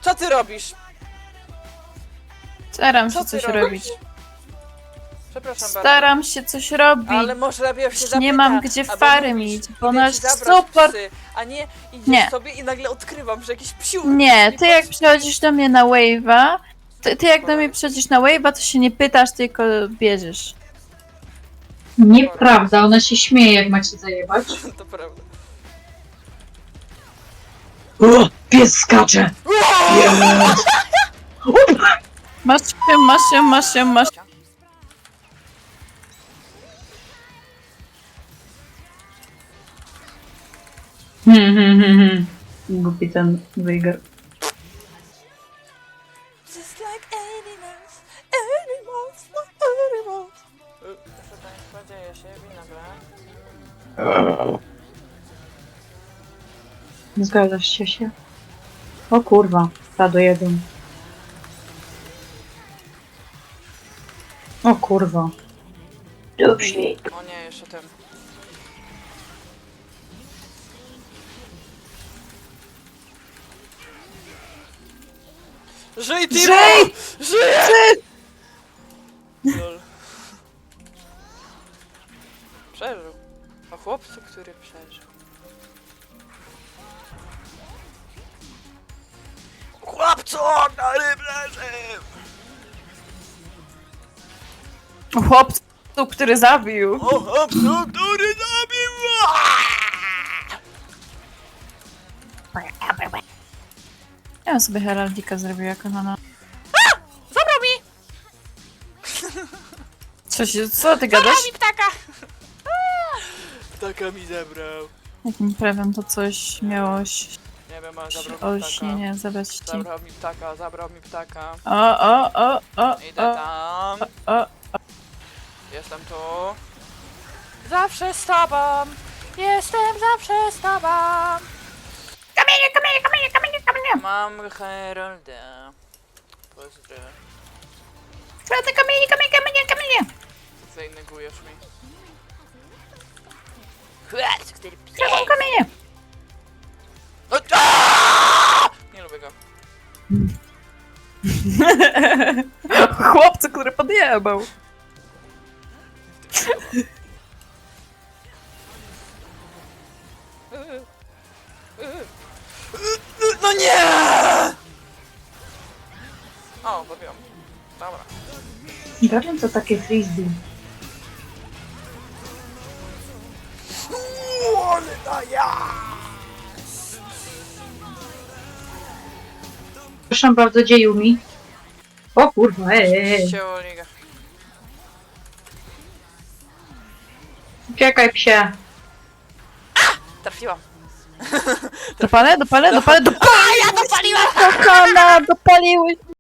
Co ty robisz? Staram się Co ty coś robisz? robić. Przepraszam bardzo. Staram się coś robić. Ale może lepiej się zapyta, Nie mam gdzie albo fary mówisz, mieć, bo idę nasz ci zabrać super... psy, a nie idziesz Nie. sobie i nagle odkrywam, że jakiś psiu... Nie, ty jak pod- przychodzisz do mnie na wave'a, ty jak do mnie przychodzisz na wave'a, to się nie pytasz, tylko bierzesz. Nieprawda, ona się śmieje, jak macie zajebać. To prawda. O, pies skacze! Jest! Masz się. Głupi ten wyjger. Just like animals, animals. Proszę państwa, dzieje się winogron. Zgadzasz się? O kurwa, stado jeden. O kurwa. Dobrze. O nie, jeszcze ten. Żyj, Timo! Żyj! Żyj! Lol. Przeżył. O chłopcu, który przeżył. Chłopcu, który przeżył! Chłopcu, który zabił. O chłopcu, który zabił! Ja bym sobie heraldika zrobił jako na... Zabrał mi! Co ty gadasz? Zabrał mi ptaka! Ptaka mi zabrał. Jakim prawem to coś miało Nie wiem, ale zabrał mi ptaka. olśnienie zabrać ci? Zabrał mi ptaka, zabrał mi ptaka. O. Idę tam. o. Jestem tu. Zawsze z tobą. Jestem zawsze z tobą. Kamienie! Mam Herolda. Pozdro. Tracę kamienie! Zainegujesz mi. Tracę kamienie! No, aaaa! Nie lubię go. Chłopcu, który podjebał. No nie! O, zabiłam. Dobra. Garen to takie frisbee. Proszę bardzo, dzieju mi. O kurwa, Ciało liga. Czekaj psie. Trafiłam. Dopalę? A, ja dopaliłam! Kochana, dopaliłeś